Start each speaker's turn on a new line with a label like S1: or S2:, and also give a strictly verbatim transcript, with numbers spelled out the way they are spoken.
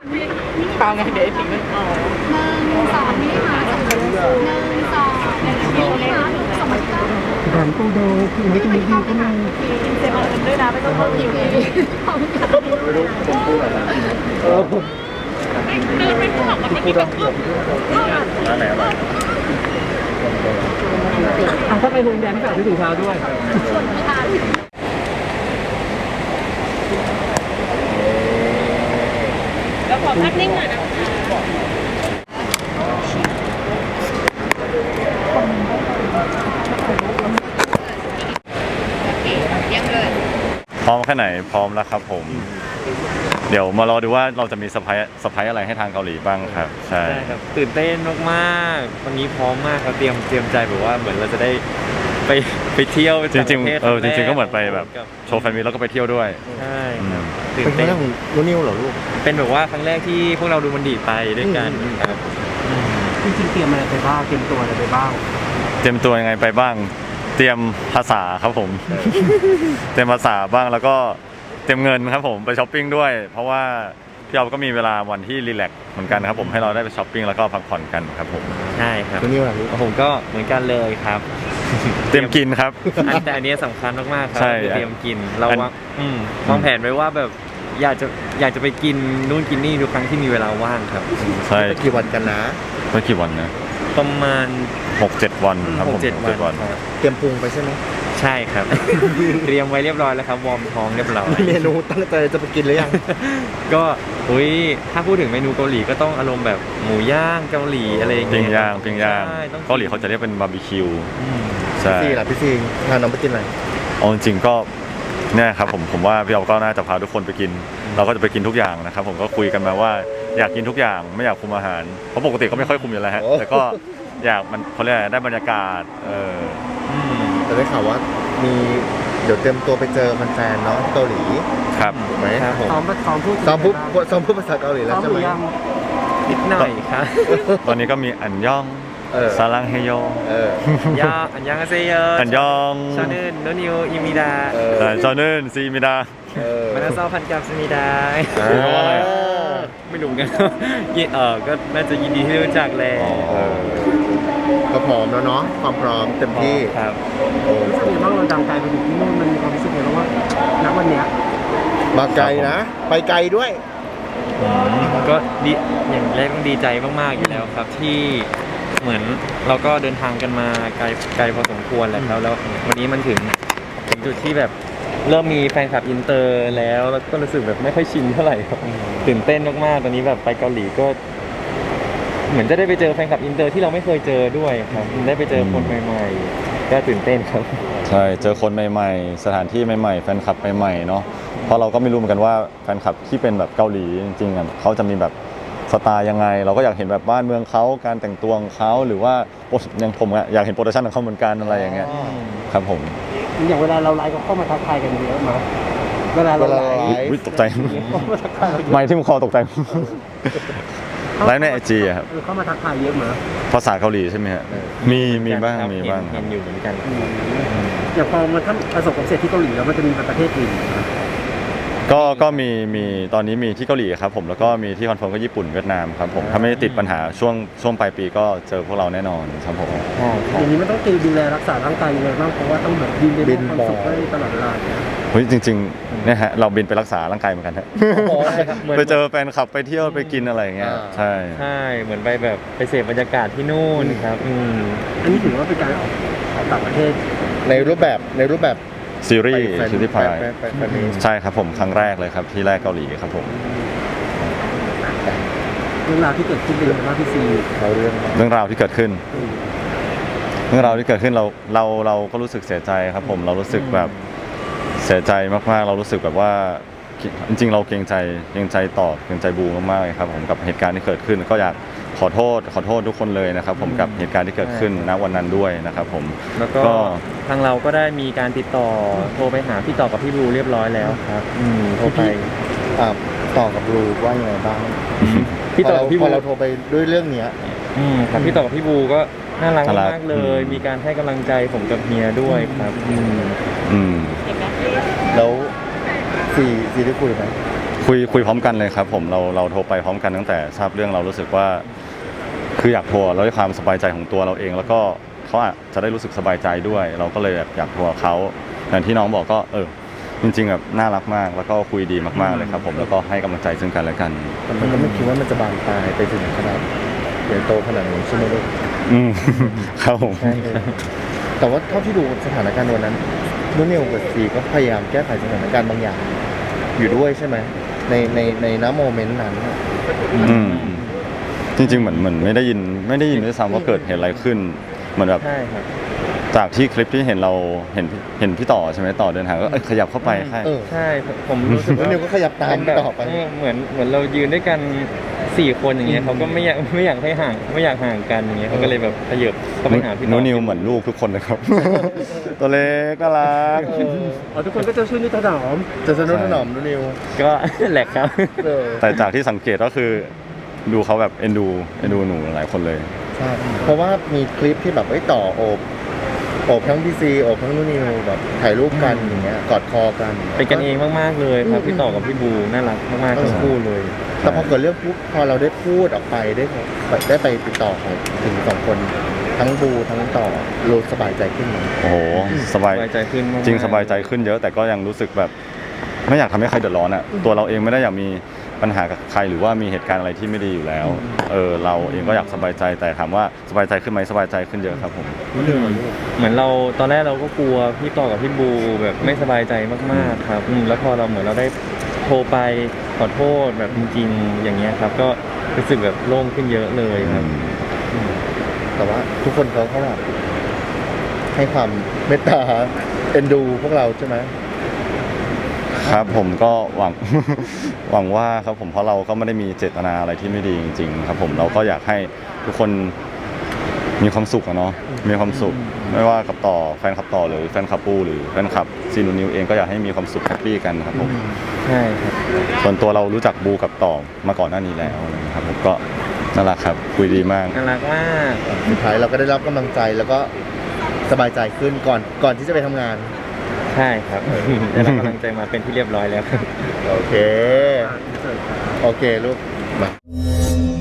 S1: เปล่าไงเดี๋ยวไอ้สิ่งนั้นอ๋อ
S2: หนึ่งสองนี่ค่ะหนึ่งสองหนึ่งสองนี่ค่ะสองพันเก้า
S3: แถมตู้เดิมคือไม่ต้องมีดีก็มี
S1: เซมเอาเงินด้วยนะไม่ต้องเพิ่มคิวเลย
S4: ไม่รู้ผมพูดอะไรนะเออผมพูดร้านไหนอร่อย
S3: อ่ะถ้าไปโรงแรมก็ซื้อถุงเท้าด้วย
S1: แล้วขอภาพนิ่งหน่อยนะ
S4: พร้อมแค่ไหนพร้อมแล้วครับผมเดี๋ยวมารอดูว่าเราจะมีเซอร์ไพรส์เซอร์ไพรส์อะไรให้ทางเกาหลีบ้างครับใช่
S5: ครับตื่นเต้นมากๆวันนี้พร้อมมากครับเตรียมเตรียมใจแบบว่าเหมือนเราจะได้ไปไปเที่ยว
S4: จริงๆเออจริงๆก็เหมือนไปแบบโชว์แฟนมิตแล้วก็ไปเที่ยวด้วย
S5: ใช่ครับ
S3: ตื่นเต้นของนูนิวเหรอลูก
S5: เป็นแบบว่าครั้งแรกที่พวกเราดูมันดีไปด้วยกันครับ
S3: จริงๆเตรียมอะไรไปบ้างเตรียมตัวอะไรไปบ้าง
S4: เตรียมตัวยังไงไปบ้างเตรียมภาษาครับผมเตรียมภาษาบ้างแล้วก็เตรียมเงินครับผมไปช้อปปิ้งด้วยเพราะว่าพี่เราก็มีเวลาวันที่รีแลกซ์เหมือนกันครับผมให้เราได้ไปช้อปปิ้งแล้วก็พักผ่อนกันครับผม
S5: ใช่ครับ
S3: ตัวนี้ว่า
S5: ผมก็เหมือนกันเลยครับ
S4: เตรียมกินครับ
S5: แต่อันนี้สำคัญมากๆครับ
S4: ใช่
S5: เตรียมกินเราวางวางแผนไว้ว่าแบบอยากจะอยากจะไปกินนู่นกินนี่ทุกครั้งที่มีเวลาว่างครับ
S4: ใช่
S3: กี่วันกันนะ
S4: ไม่กี่วันนะ
S5: ประมาณ
S4: หกเจ็ด วันครับผม
S5: หกเจ็ดวัน
S3: เตรียมปรุงไปใช่ไหม
S5: ใช่ครับเตรียมไว้เรียบร้อยแล้วครับวอร์มท้องเรียบร้อย
S3: เมนูตั้งใจจะไปกินหรือยัง
S5: ก็อุ้ยถ้าพูดถึงเมนูเกาหลีก็ต้องอารมณ์แบบหมูย่างเกาหลีอะไรอย่างเงี้ย
S4: ปิ้งย่างปิ้งย่างเกาหลีเขาจะเรียกเป็นบาร์บีคิว
S3: ใช่พี่ล่ะพี่ซิงพาน้องไปกินอะไร
S4: อ๋อจริงก็เนี่ยครับผมผมว่าพี่เอาก็น่าจะพาทุกคนไปกินเราก็จะไปกินทุกอย่างนะครับผมก็คุยกันมาว่าอยากกินทุกอย่างไม่อยากคุมอาหารเพราะปกติก็ไม่ค่อยคุมอยู่แล้วฮะแต่ก็อยากมันเขาเรียกได้บรรยากาศเออ
S3: แต่ได้ข่าวว่ามีเดี๋ยวเตรียมตัวไปเจอแฟนๆเนาะเกาหลี
S4: ครับ
S3: ถูกไหม
S5: ครับผม
S3: ซ้อมซ้อมพูดซ้อมพูดซ้อมพูดภาษาเกาหลีแล้วใช่ไหม
S5: นิดหน่อยครับ
S4: ตอนนี้ก็มีอันย่องซาลังเฮโย
S5: ย่าอันยังอาเซโย
S4: อันยอง
S5: ชอนึนโนนิวอิมิดา
S4: ชอนึนซีมิดา
S5: มานาซอพันกับซีมิดา
S4: อะไร
S5: ไม่รู้กันเออก็น่าจะยินดีที่รู้จักแล้ว
S3: ก็พร้อมแล้วเนาะความพร้อมเต็มที่
S5: ครับ
S3: รู้สึกยังไงบ้างเราดังไกลไปถึงที่นู่นมันมีความรู้สึกยังไงบ้างว่าณวันเนี้ยมาไกลนะไปไกลด้วย
S5: ก็ดีอย่างแรกต้องดีใจมากๆอยู่แล้วครับที่เหมือนเราก็เดินทางกันมาไกลไกลพอสมควรแล้วแล้ววันนี้มันถึงถึงจุดที่แบบเริ่มมีแฟนคลับอินเตอร์แล้วแล้วก็รู้สึกแบบไม่ค่อยชินเท่าไหร่ครับตื่นเต้นมากๆตอนนี้แบบไปเกาหลีก็เหมือนจะได้ไปเจอแฟนคลับอินเตอร์ที่เราไม่เคยเจอด้วยครับได้ไปเจอคนใหม่ๆก็ตื่นเต้นครับ
S4: ใช่เจอคนใหม่ๆสถานที่ใหม่ๆแฟนคลับใหม่ๆเนาะเพราะเราก็ไม่รู้เหมือนกันว่าแฟนคลับที่เป็นแบบเกาหลีจริงๆอ่ะเขาจะมีแบบสไตล์ยังไงเราก็อยากเห็นแบบบ้านเมืองเขาการแต่งตัวของเขาหรือว่าอย่างผมอะอยากเห็นโปรดักชั่นของเขาเหมือนกันอะไรอย่างเงี้ยครับผม
S3: อย่างเวลาเราไลฟ์ก็เข้ามาทักทายกันเยอะมั้ยเวลาเราไล
S4: ฟ์ตกใจไม่ที่มึงคอตกใจไลฟ์ในไอจีครับ
S3: เข้ามาทักทายเยอะมั้ย
S4: ภาษาเกาหลีใช่ไหมฮะมีมีบ้างมีบ้าง
S5: เห็นอยู่เหมือนกัน
S3: อย่างพอมันประสบความสำเร็จที่เกาหลีแล้วมันจะมีประเทศอื่น
S4: ก็ก็มีมีตอนนี้มีที่เกาหลีครับผมแล้วก็มีที่คอนเฟิร์มก็ญี่ปุ่นเวียดนามครับผมถ้าไม่ติดปัญหาช่วงช่วงปลายปีก็เจอพวกเราแน่นอนครับผม
S3: อย่างนี้มันต้องดูแลรักษาร่างกายยังไงบ้างเพราะว่าต้องแบบบินไปความสุขได้ตลอดเวลา
S4: เฮ้ยจริงๆเนี่ยฮะเราบินไปรักษาร่างกายเหมือนกันฮะไปเจอแฟนคลับไปเที่ยวไปกินอะไรอย่างเงี้ยใช่
S5: ใช่เหมือนไปแบบไปเสพบรรยากาศที่นู่นครับ
S3: อันนี้ถือว่าเป็นการออกต่างประเทศในรูปแบบในรูปแบบ
S4: ซีรีส์ซีรีส์พายใช่ครับผมครั้งแรกเลยครับที่แรกเกาหลีครับผม
S3: เรื่องราวที่เกิดขึ้นเป็นยังไงบ้างพี่ซี
S4: เราเรื่องเรื่องราวที่เกิดขึ้นเรื่องราวที่เกิดขึ้นเราเราเราก็รู้สึกเสียใจครับผมเรารู้สึกแบบเสียใจมากๆเรารู้สึกแบบว่าจริงๆเราเกรงใจเกรงใจต่อเกรงใจบูมากๆครับผมกับเหตุการณ์ที่เกิดขึ้นก็อยากขอโทษขอโทษทุกคนเลยนะครับผมกับเหตุการณ์ที่เกิดขึ้นณวันนั้นด้วยนะครับผม
S5: แล้วก็ทางเราก็ได้มีการติดต่อโทรไปหาพี่ต่อกับพี่บูเรียบร้อยแล้วครับอืมโทรไป
S3: ต่อกับบูว่ายังไงบ้าง
S5: พี่ต่อพี่บู
S3: เราโทรไปด้วยเรื่องนี้
S5: อืมครับพี่ต่อกับพี่บูก็น่ารักมากเลยมีการให้กำลังใจผมกับเมียด้วยครับอืม
S4: อืม
S3: แล้วซีซีได้คุยไหม
S4: คุยคุยพร้อมกันเลยครับผมเราเราโทรไปพร้อมกันตั้งแต่ทราบเรื่องเรารู้สึกว่าคืออยากโทรแล้วด้วยความสบายใจของตัวเราเอง แล้วก็เขาอาจจะได้รู้สึกสบายใจด้วย เราก็เลยแบบอยากโทรเขาอย่างที่น้องบอกก็เออจริงๆแบบน่ารักมากแล้วก็คุยดีมากๆเลยครับผมแล้วก็ให้กำลังใจซึ่งกันและกัน
S3: แต่มันก็ไม่คิดว่ามันจะบานปลายไปถึงขนาดใหญ่โตขนาดนี้ใช่ไหมลูก
S4: อืมครับผม
S3: ใช่แต่ว่าเท่าที่ดูสถานการณ์วันนั้นนุ่นนิวกับซีก็พยายามแก้ไขสถานการณ์บางอย่าง อยู่ด้วยใช่ไหมในในในน้ำโมเมนต์นั้นน่ะ
S4: อืมจริงๆเหมือนเหมือนไม่ได้ยินไม่ได้ยินด้วยซ้ำว่าเกิดเหตุอะไรขึ้นเหมือนแบบ
S3: ใช่ครับ
S4: จากที่คลิปที่เห็นเราเห็นเห็นพี่ต่อใช่ไหมต่อเดินทางก็เอ้ยขยับเข้าไปใช่
S3: เออ
S5: ใช่ผมรู้สึก
S3: นุ่น
S5: ว่า
S3: นิวก็ขยับตามต่อไป
S5: เเหมือนเหมือนเรายืนด้วยกันสี่คนอย่างเงี้ยเขาก็ไม่อยากไม่อยากให้ห่างไม่อยากห่างกันอย่างเงี้ยเขาก็เลยแบบขยับเข้าไปหาพี่ต่อ
S4: นูนิวเหมือนลูกทุกคนเลยครับ ตัวเล็กก็รัก
S3: อ๋อทุกคนก็จะช่วยนิดถนอมจะสนุนถนอมนุ่นนิว
S5: ก็ แหลกครับ
S3: เออ
S4: แต่จากที่สังเกตก็คือดูเขาแบบเอ็นดูเอ็นดูหนูหลายคนเลย
S3: ใช่เพราะว่ามีคลิปที่แบบไอ้ยต่อโอบโอบทั้งพีซีโอบทั้งนุ่นนิวแบบถ่ายรูปกันอย่างเงี้ยกอดคอกัน
S5: เป็นกันเองมากๆเลยครับพี่ต่อกับพี่บูน่ารักมากๆ
S3: ทั้
S5: ทั้
S3: ง
S5: ง
S3: คู่
S5: คู่
S3: เลย แต่พอเกิดเรื่องปุ๊บพอเราได้พูดออกไปได้ได้ไปติดต่อเขาถึงสองคนทั้งบูทั้งต่อรู้สบายใจขึ้นไหม
S4: โอ้โหสบาย
S5: สบายใจขึ้นมากๆ
S4: จริงสบายใจขึ้นเยอะ แต่ก็ยังรู้สึกแบบไม่อยากทำให้ใครเดือดร้อนอ่ะตัวเราเองไม่ได้อยากมีปัญหากับใครหรือว่ามีเหตุการณ์อะไรที่ไม่ดีอยู่แล้วเออเราเองก็อยากสบายใจแต่ถามว่าสบายใจขึ้นไหมสบายใจขึ้นเยอะครับผม
S5: เหมือนเราตอนแรกเราก็กลัวพี่ต่อกับพี่บูแบบไม่สบายใจมากๆครับอืมแล้วพอเราเหมือนเราได้โทรไปขอโทษแบบจริงๆอย่างเงี้ยครับ ก็รู้สึกแบบโล่งขึ้นเยอะเลยครับ
S3: แต่ว่าทุกคนเขาก็แบบให้ความเมตตาเอ็นดูพวกเราใช่ไหม
S4: ครับผมก็หวัง หวังว่าครับผมเพราะเราก็ไม่ได้มีเจตนาอะไรที่ไม่ดีจริงๆครับผมเราก็อยากให้ทุกคนมีความสุขอะเนาะมีความสุข ไม่ว่ากับต่อแฟนคลับต่อหรือแฟนคลับปูหรือแฟนคลับซีนูนิวเองก็อยากให้มีความสุขแฮปปี้กันครับผม
S5: ใช่ครับ
S4: ส่วนตัวเรารู้จักบูกับต่อมาก่อนหน้านี้แล้วนะครับผมก็น่ารักครับคุยดีมาก
S5: น่ารักมาก
S3: สุดท้ายเราก็ได้รับกำลังใจแล้วก็สบายใจขึ้นก่อนก่อนที่จะไปทำงาน
S5: ใช่ครับได้รับกำลังใจมาเป็นที่เรียบร้อยแล้วครับ
S3: โอเค โอเคลูกมา